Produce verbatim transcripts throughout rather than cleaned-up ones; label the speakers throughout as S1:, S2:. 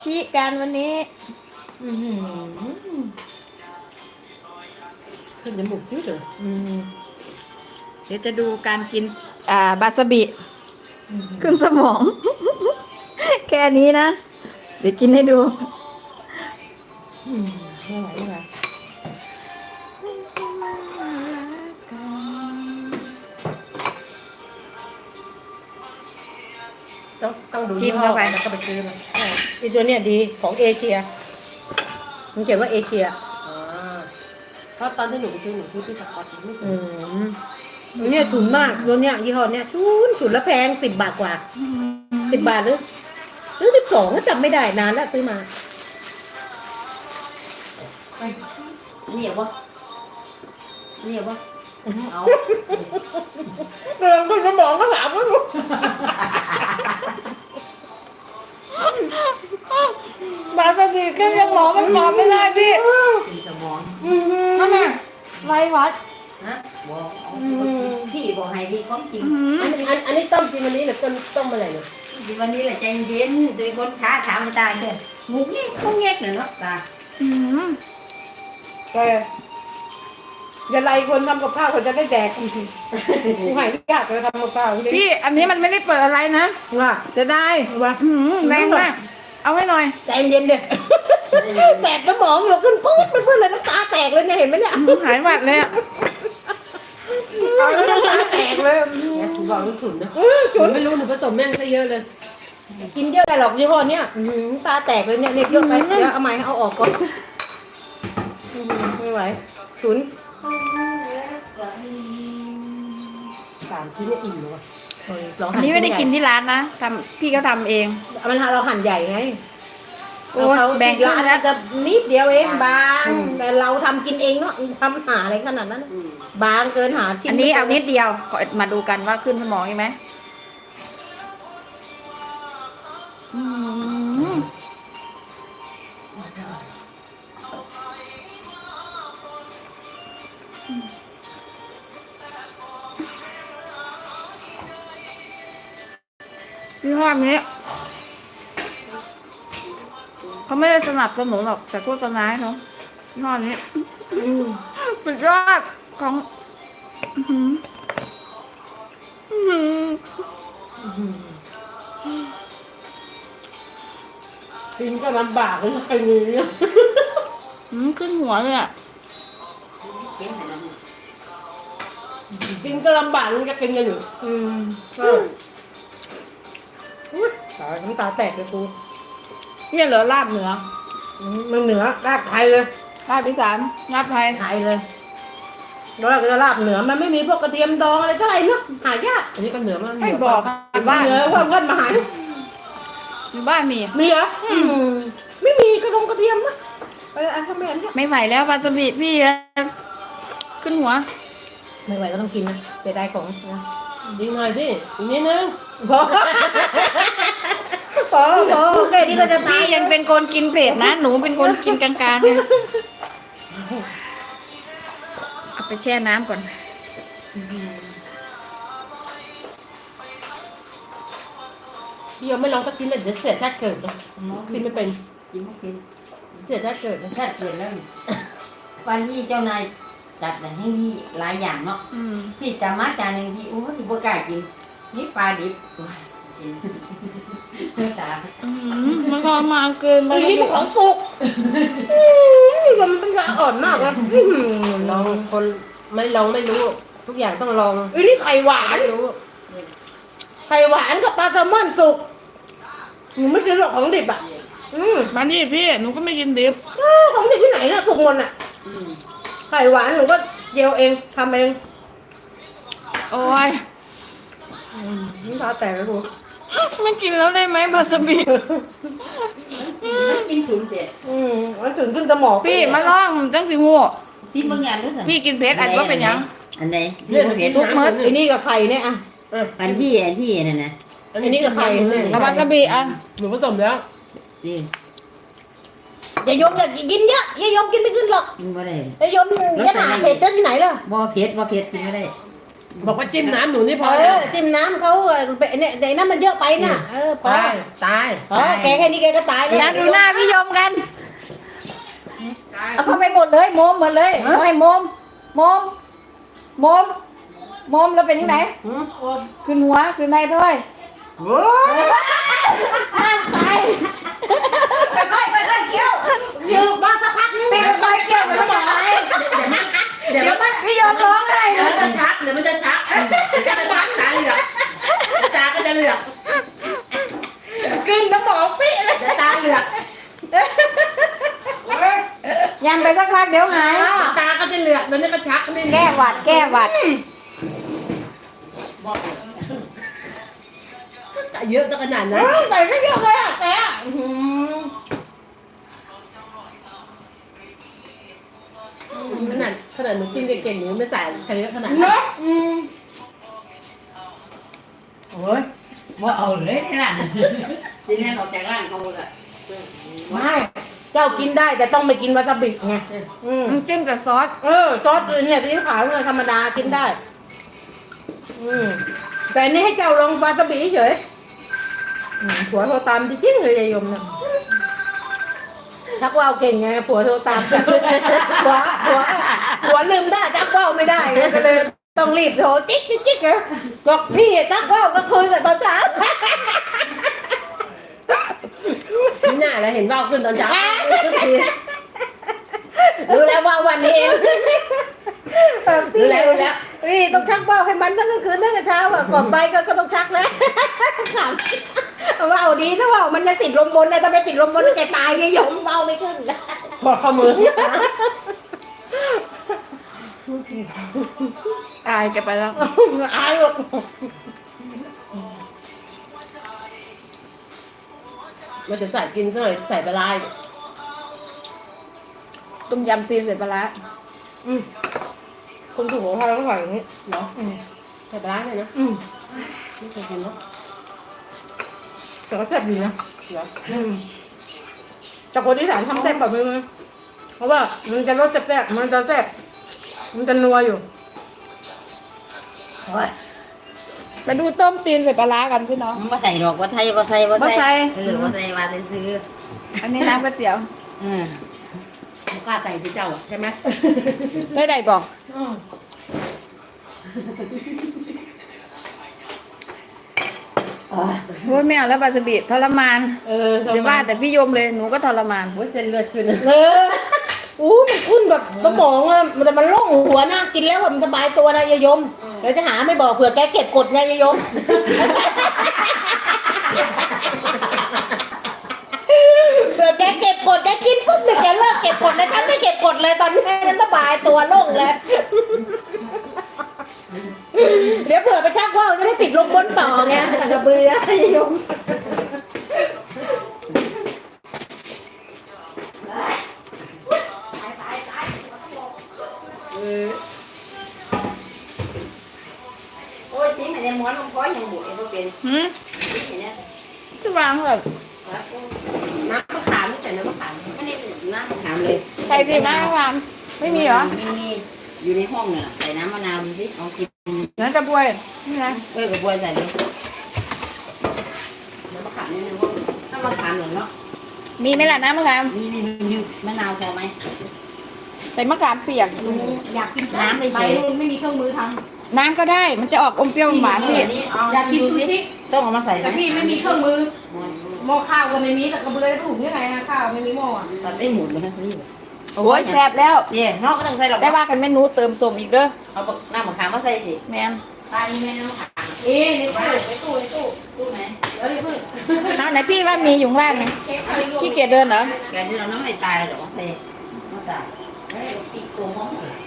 S1: ชิกันวันนี้
S2: ขึ้นจมูกยืดเลย
S1: เดี๋ยวจะดูการกินอ่าบาสบิขึ้นสมอง แค่นี้นะ เดี๋ยวกินให้ดู
S2: ไม่ไหวไม่ไหวต้องต้องดู
S1: จิ้มเข้าไป
S2: แล้วก็ไปซื้อมาไอตัวเนี้ยดีของเอเชียมันเขียนว่าเอเชียอ่าเพราะตอนที่หนูไปซื้อหนูซื้อที่สกอตไม่ซื้อตัวเนี้ยถุนมากตัวเนี้ยยี่ห้อเนี้ยถุนถุนละแพงสิบบาทกว่าสิบบาทหรือหรือสิบสองก็จำไม่ได้นานแล้วซื้อมา
S3: เหนียวปะเหนียวปะเอา
S2: เรื่องคนสมองก็ถามว่ารู้
S1: บาสบิขึ้นยังหมอมันนอนไม่ได้พี่
S3: สีสมอง
S1: นั่นน่ะไรวัด
S3: นะบอกพี่บอกให้พี่ของจริง
S2: อันนี้อันอันนี้ต้มกินวันนี้หรือต้มต้มอะไรเนี่ย
S3: วันนี้แหละใจเย็นโดยคนช้าถามมาตายเลยมุกนี่เขาแงกเลยเนาะตา
S1: อืม
S2: แกอย่าไล่คนทำกับข้าวเขาจะได้แดกกูหายยากเลยทำกับข้าว
S1: พี่อันนี้มันไม่ได้เปิดอะไรนะ
S2: ว่า
S1: จะได้
S2: ว่า
S1: อืมแรงมากเอาไว้หน่อย
S2: ใจเย็นเด็ดแตกสมองอยู่ขึ้นปื๊ดเพื่อนเลยน้ำตาแตกเลยเนี่ยเห็นไหมเนี่ย
S1: หายหวัดเลยอ่ะ
S2: เอาแล้วน้ำตาแตกเลย
S4: ถูกบอกลูกฉุนนะ
S2: ฉุน
S4: ไม่รู้หนูผสมแม่งซะเยอะเลย
S2: กินเยอะได้หรอกยี่ห้อเนี้ยตาแตกเลยเนี่ยเนี่ยเยอะไปเดี๋ยวเอาใหม่เอาออกก่อนไม่ไหวฉุน
S4: สามชิ้นเนี่ยอิ่มเลยว่ะ
S1: อันนี้ไม่ได้กินที่ร้านนะทำพี่ก็ทำเอง
S2: มันเราหั่นใหญ่ไง
S1: โอ้ย
S2: เขา
S1: แบ่งครึ่
S2: ร้าง น
S1: แล้ว
S2: จะนิดเดียวเองบางแต่เราทำกินเองเนาะทำหาอะไรขนาดนั้น บางเกินหาชิ้น
S1: อันนี้เอานิดเดียวขอมาดูกันว่าขึ้นสมองใช่ไหมอืมยี่ห้อนี้เขาไม่ได้สนับสนุนหรอกแต่โฆษณาให้เขายี่ห้อนี้สุดยอดของอื้อหืออื้อหือ
S2: กินก็ลำบากเลยใครมีเนี่ย
S1: อืมขึ้นหัวเลยอ่ะ
S3: เก็บให้เรา
S4: กินก็ลำบากมันจะกินกันอยู่
S2: อืมก็อุ๊ยตายน้ำตาแตกเลยกู
S1: เนี่ยเหลือลาบเหนือ
S2: อืมมันเหนือลาบไทยเลย
S1: ลาบอีสานลาบไทย
S2: ไทยเลยแล้วเราก็จะลาบเหนือมันไม่มีพวกกระเทียมดองอะไรเท่าไหร่เนาะหายาก
S4: อันนี้ก็เหนือมาก
S1: ไม่บอกอยู่บ้าน
S2: เหนือเพิ่มเพิ่มมาหาย
S1: อยู่บ้านมี
S2: มีเหรออืมไม่มีกระดงกระเทียมนะไปอันทำไมอันเนี้ย
S1: ไม่ไหวแล้ววาซาบิพี่ขึ้นหัว
S2: ไม่ไหวก็ต้องกินนะเสียดายของนะ
S4: ดีหน่อยดิอีกนิดนึง
S2: พอพอพอแค่นี้ก็จะตา
S1: พี่
S2: ย
S1: ยังเป็นคนกินเผ็ดนะ หนูเป็นคนกินกลางๆนะเอาไปแช่น้ำก่อน
S4: พี่ยังไม่ลองก็กินเลยเดี๋ยวเสียชาติเกิดเลยกินไม่เป็น
S3: กินไม่กิน
S4: เสียชาติเกิดเลย
S3: แค่เปลี่ยนแล้ววันนี้เจ้านายจัดให้ยี่หลายอย่างเนาะ
S1: อืม
S3: พี่จำมาจานหนึ่งที่โอ้ยบ่กล้ากินนี่ปลาดิบตา
S1: อืมมันทรมานเกินไป
S2: ไอ้นี่มันของปลุกอืมมันเป็นยาอ่อนมากนะอื้อหือ
S4: ลองคนไม่ลองไม่รู้ ทุกอย่างต้องลอง
S2: ไอ้นี่ไข่หวาน
S4: ไม่รู้
S2: ไข่หวานกับปลาแซลมอนสุกหนูไม่กินหรอกของดิบอ่ะ อืม
S1: มานี่พี่หนูก็ไม่กินดิบ
S2: เออของดิบที่ไหนน่ะสุกหมดอ่ะไข่หวานหนูก็เจียวเองทำเอง
S1: โอ้ย
S2: น้ำตาแตกเลยกู
S1: ไม่กินแล้วได้ไหมบาสบิ
S3: กินศูนย์เจ็ด
S2: อืมมันถึงขึ้นสมอง
S1: พี่มาลองจังสิหัว
S3: ซิบางอย่างด้วยสิ
S1: พี่กินเผ็ดอันก็เป็นหยัง
S3: อันใด
S4: เรื่อง
S3: เผ็ด
S4: ทุกมื้อ
S2: ไอ้นี่กับไข่เนี่ยอ่ะ
S3: อันที่อันที่นั่นนะ
S2: อันนี้กับไข่เนี่ย
S1: แล้วบาสบิอ่ะ
S4: หนูผสมแล้ว
S3: นี่
S2: อย่ายมอย่ากินเยอะอย่ายมกินไม่ขึ้นหรอก
S3: กินบ่ได้
S2: อย่ายมอย่าหาเผ็ดได้ที่ไหนล่ะ
S3: บ่เผ็ดบ่เผ็ดกินไม่ได้
S4: บอกว่าจิ้มน้ำหนูนี่พ
S2: เอ
S4: อแล้ว
S2: อจิ้มน้ำเขาเออเนี่ยเดี๋ยวนั้นมันเยอะไปน่ะเออพอ
S4: ตายตาย
S2: พอแกแค่นี้แกก็ตายแล้ว
S1: อย่าดูหน้าพี่ยมกัน เอาเข้าไปหมดเลยโมมหมดเลยเอาให้โมมโมมโมมโมมแล้วเป็นยังไง
S2: หืม
S1: ขึ้นหัวขึ้นในถ้อยห้ามไป
S2: ค่อยๆค่อยๆเคี้ยวยืมมาสักพักนึง
S1: ปีนไปเกี่ยวมันจะไหน
S4: เดี๋ยวมัน
S1: พี่ยมร้องไห้
S4: เดี๋ยว
S1: เล
S4: มัน
S1: ย
S4: จะชักเดี๋ยวมันจะชักเดี๋ยวจะชักตาเหลือกตาก็จะเหลือก
S2: กินน้ำหมอกปี้เลย
S4: เดี๋ยวตาเหลือก
S1: ยังไปสักพักเดี๋ยวหาย
S4: ตาก็จะเหลือกเดี๋ยวนี้มันชักนี่
S1: แก้หวัดแก้หวัด
S4: เยอะจะขนาดนั้น
S2: ใส่ไม่เยอะเลยอ่ะแต่อื้อหือ
S4: ขนาดขนาดหนูกินเก่งๆหนูไม่ใส่เยอะขนาด
S2: เน
S4: นั้น
S2: อะอืม
S3: โอ้ยว่าเอาเลยนี่ล่ะทีนี้เขาจากร้านเขาเลย
S2: ไม่เจ้ากินได้แต่ต้องไม่กินวาซาบิไงอืม
S1: น้ำจิ้มกับซอส
S2: เออซอสเนี่ยซีอิ๊วขาวเนี่ยธรรมดากินได้ อืมแต่อันนี้ให้เจ้าลองวาซาบิเฉยอืมผัวโทรตามจริงๆเลยยายยมเนี่ยชักว่าวเก่งไงผัวโทรตาม ผัวผัวผัวลืมได้ชักว่าวไม่ได้ไงก็เลยต้องรีบโทรจิ๊กจิ๊กจิ๊กไงบอกพี่ชักว่าวก็คุยกับตอนเช้า
S4: นี่น่าแล้วเห็นว่าขึ้นตอนเช้าทุกทีรู้แล้วว่าวันนี้เอง
S2: เออพี่
S4: รู้แล้วรู้แล้ว
S2: พี่ต้องชักว่าวให้มันทั้งกลางคืนทั้งกลางเช้าอ่ะก่อนไปก็ก็ต้องชักแล้ว ขำว่าวดีนะว่าวมันยังติดลมบนนะถ้าไม่ติดลมบนแกตายยายยมว่าวไม่ขึ้น
S4: บอกข้อมือ
S1: อายแกไปแล้ว
S2: อายหรอก
S4: มันจะใส่กินซะหน่อยใส่ปลาร้าอีก
S1: ต้มยำตีนใส่ปลาร้า
S2: อืมคนถูกของใครก็ใส่อย่างนี้
S4: เหรอใส่ปลาร้าเลยนะ
S2: อืม
S4: ไม่เคยกินเนาะ
S2: แต่ก็แซ่บดีนะ
S4: เหรอ
S2: อืมแต่คนที่สานทำแซ่บแบบนี้เลยเพราะว่ามันจะรสแซ่บๆมันจะแซ่บมันจะนัวอยู่
S3: โอ้ย
S1: ไปดูต้มตีนใส่ปลาร้ากันพี่น้อง
S3: มันมาใส่ดอกว่าไทยว่าใส่ว่า
S1: บ่ใส่
S3: เออว่าใส่ว่าซื้อ
S1: อันนี้น้ำก๋วยเตี๋ยว
S3: เออ
S4: ไม่กล้าใส่ที่เจ้าอะใช่ไหม
S1: ได้ไหนบอก
S2: อืม
S3: โอ้ย
S1: โอ้ยไม่เอาแล้วบาสบิทรมาน
S2: เออ
S1: เดี๋ยวว่าแต่พี่ยมเลยหนูก็ทรมาน
S4: โอ้ยเส้นเลือดขึ้น
S2: เอออู้มันขึ้นแบบสมองอะมันแต่มันโล่งหัวนะกินแล้วแบบมันสบายตัวนะยายยมเดี๋ยวจะหาไม่บอกเผื่อแกเก็บกดไงยายยม เผื่อแกเก็บกดแกกินปุ๊บเนี่ยแกเลิกเก็บกดเลยฉันไม่เก็บกดเลยตอนนี้ฉันสบายตัวโล่งแล้ว เดี๋ยวเผื่อไปชักว่าวจะได้ติดลมบนต่อไงแต่กระเบือยม
S3: โอ้ยสิอันนี้ม้วนลงคอยยังบุกเองก็เป็น
S1: หืม
S3: สิเนี่ย
S1: จะวางแบบ
S4: น้ำมะขามนี่ใส่น้ำมะขาม
S3: ไม่ได้น้ำถามเลย
S1: ใส่ดีมากวางไม่มีเหรอ
S3: ไม่มีอยู่ในห้องเนี่ยใส่น้ำมะนาวดูสิเอากิน
S1: นั่นจะบวยนี่ไง
S3: เออกับบวยใส่เลยน้ำมะขามนี่นะว่าน้ำมะขามเหรอเนาะ
S1: มีไหมล่ะน้ำมะขาม
S3: มีมีมีมะนาวพอไหม
S1: ใส่มะขามเปียก
S2: อยากกิน
S3: น้ำไม่
S2: ไป
S3: ใส่
S2: นู่นไม่มีเครื่องมือท
S1: น้ำก็ได้มันจะออกอมเปรี้ยวหวานพี่
S2: ำอยากกินซูชิ
S3: ต้องเอามาใส่
S2: แต่พี่ไม่มีเครื่องมือหม้อข้าวก็ไม่มีแต่กระเบือจะถูกยังไงอะข้าวไม่มีหม้ออะ
S3: ตัดได้หมดเลยนะนี่
S1: โอ้ยแซ่บแล้ว
S3: เนี่ยนอกก็ต้องใส่หรอก
S1: ได้ว่ากันเมนูเติมสมอีกเด้อ
S3: เอาน้ำมะขามมาใส่สิ
S1: แมน
S3: ตานี่แม่น้ำมะขาม
S2: เอ๊ะในตู้ในตู้ในตู้
S3: ตู้ไหน
S2: เอ้ยเพิ่ง
S1: เอาไหนพี่ว่ามีอยู่ข้างล่างไหม
S2: เช็คอะไรรวม
S1: ขี้เกียจเดินเหรอ
S3: แกที่เราน้ำไม่ตายหรอกใส่ไม่ตายเฮ้ยตีตัวห้อง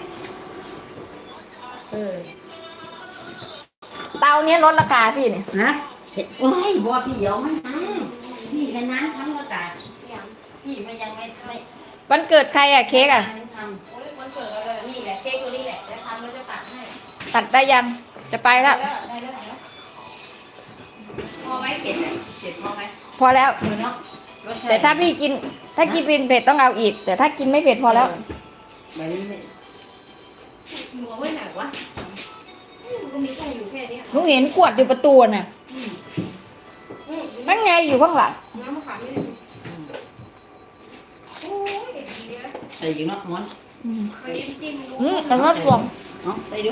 S2: เออ
S1: เตาเนี้ยลดราคาพี่เนี่ย
S3: นะโอ้ยบัวพี่เดี๋ยวมันทำพี่ในนั้นทำก็ตายพี่ไม่ยังไม่ไม่
S1: วันเกิดใครอะเค้กอะ
S3: ไม่ทำ
S2: โอ้ยวันเกิดอะไรนี่แหละเค้กตัวนี้แหละจะทำแล้วจะตัดให้
S1: ตัดได้ยังจะไปแล้ว
S2: ได้ได้ได้แล้ว
S3: พอไหมเก็บเก็บพอไหม
S1: พอแล้ว
S3: เออเนาะรสชติ
S1: แต่ถ้าพี่กิน ถ้ากินเป็นเผ็ดต้องเอาอีก แต่ถ้ากินไม่เผ็ดพอแล้ว
S3: แบบนี้ไม่
S2: หนูเอาไว้ไหนวะ
S3: ไ
S2: ก็มีตู้อยู่แค่เนี้ย
S1: หนูเห็นขวดอยู่ประตูน่ะนั่นไงอยู่ข้างหลัง
S2: น้ำมะขามไม่ได้โอ้ยเด็กดีนะ
S3: ใส่อยู่เนาะม้วน
S1: อืม
S2: มันยิ้มจิ้ม
S1: อืมแต่ว่าสวม
S3: เนาะใส่ดู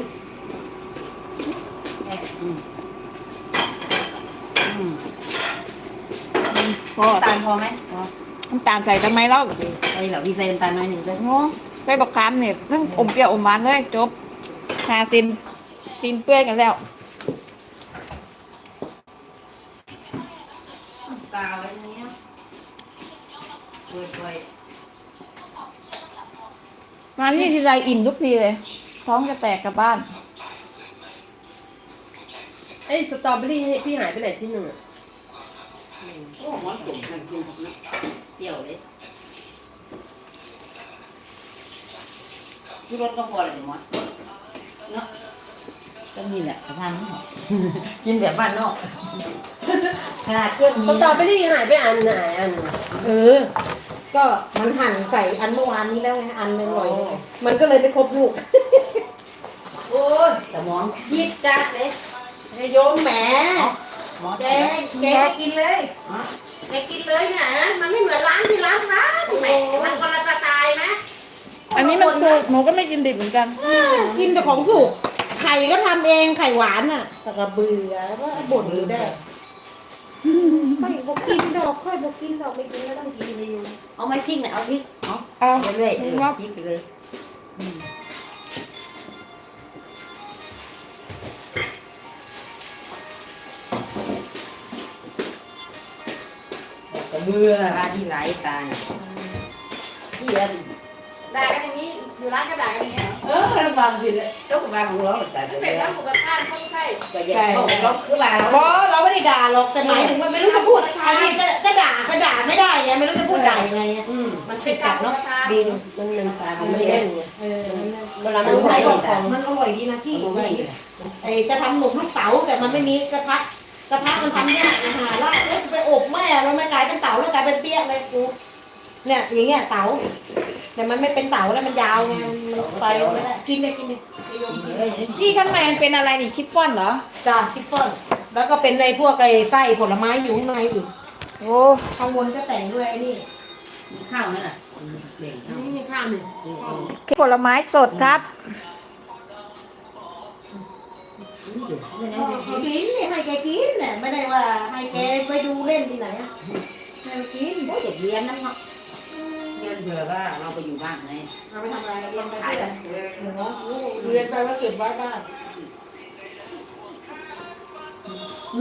S3: แม่อืมอืม
S1: พอ
S3: น้ำตาลพอไหมพอ
S1: น้ำตาลใส่ทำไมเล่า
S3: ใส่เหรอพี่ใส่น้ำตาลน้อยหนึ่งด้วย
S1: โอ้ใส่บักขามเนี่ยทั้งอมเปรี้ยวอมหวานเลยจบชาตินตีนเปื่อยกันแล้ว
S3: ตาไว้ตรงนี้เนาะเปื่อย
S1: มาที่ทีไรอิ่มทุกทีเลย ท้องจะแตกกลับบ้าน
S4: ไอ้สตรอเบอรี่ให้พี่หายไปไหนที่หนึ่งอะ
S3: ๆโอ้ม้วนสมกันกินครับนะเปรี้ยวเลยที่รถก็พอเลยม้วนเนาะก็นี่แหละกระทำนี่ กินแบบบ้านนอกขนาดเครื่อง
S4: ส
S3: มี
S4: ตรอเบอรี่หายไปอันไหนอัน
S2: เออ ก็มันหั่นใส่อันเมื่อวานนี้แล้วไงอันหนึงหน่อยนึงมันก็เลยไม่ครบลูก
S3: โอ้ยสมองยิดจัดเลย
S2: ไอ้โยมแหม
S3: หมอ
S2: แก
S3: แก
S2: แกกินเลยแกกินเลยเนี่ยมันไม่เหมือนร้านที่ร้านร้านแหมมันคนละสไตล์นะ
S1: อันนี้มันคือหนูก็ไม่กินดิบเหมือนกัน
S2: เออกินแต่ของสุกไข่ก็ทำเองไข่หวานอ่ะแต่ก็เบื่อว่าบ่นอยู่ได้ค่อยบอกกินดอกค่อยบอกกินดอกไม่กินก็ต้องกินเลยอยู่
S3: เอาไม้พริกหน่อยเอาพริกเอา
S1: เอา
S3: ไปเรื่อยๆเออ
S1: ว่า
S3: พริกไปเลยอืมกระเบื่อร้านที่ไหลตาเนี่ยที่อะไร
S1: ด่ากันอย่างนี้อยู่ร้านก็ด่ากันอย่างนี้
S3: เออแล้วบางทีเลยต้องบางของเราใส่ไปเล
S1: เป็
S3: ย
S1: นร้านหมูกระทะเขาใช่
S3: ก็อย่าเข้าเราคือว่า
S2: เพราะเราไม่ได้ด่าหรอกแต่หมายถึงว่าไม่รู้จะพูดอันนี้ก็ก็ด่าก็ด่าไม่ได้ไงไม่รู้จะพูดด่ายังไงอะ
S3: อืม
S2: มันเป็นกัดเนาะ
S4: ดีมันมันสายมันไม่เล่นไง
S2: เออ
S4: เวลา
S2: มั
S4: มัน น
S2: ใส่
S4: ใส่
S2: ของของมันอร่อยดีนะพี่ไอ้จะทำหนุกลูกเต๋าแต่มันไม่มีกระทะกระทะมันทำยากอาหารละแล้วไปอบแม่เราไม่กลายเป็นเต๋าแล้วกลายเป็นเปี้ยเลยกูเนี่ยอย่างเงี้ยเต๋าแต่มันไม่เป็นเต๋าแล้วมันยาวไงมันไปไม่ได้กินเลยกินเลย
S1: พี่ข้างในมันเป็นอะไรนี่ชิฟฟ่อนเหรอ
S2: จ้าทิฟฟ่อนแล้วก็เป็นในพวกไอ้ไส้ผลไม้อยู่ข้างในอีก
S1: โอ้
S2: ข้างบนก็แต่งด้วยไอ้นี่
S3: มีข้าวไหมล่ะเบ่งข้าว
S4: นี่ข้าวหนึ่ง
S1: ผลไม้สดครับ
S2: เขากินเนี่ยให้แกกินเนี่ยไม่ได้ว่าให้แกไปดูเล่นที่ไหนอะให้มันกิน
S3: โอ้ยเด็กเรียนนั่นเนาะเรียนเผื่อว่าเราไปอยู่บ้านไง
S2: เอาไปทำอะไรเรียนไป
S3: ขาย
S2: เรื่อย
S3: เลย
S2: เรียนไปว่าเก็บไว้บ้าน
S3: เ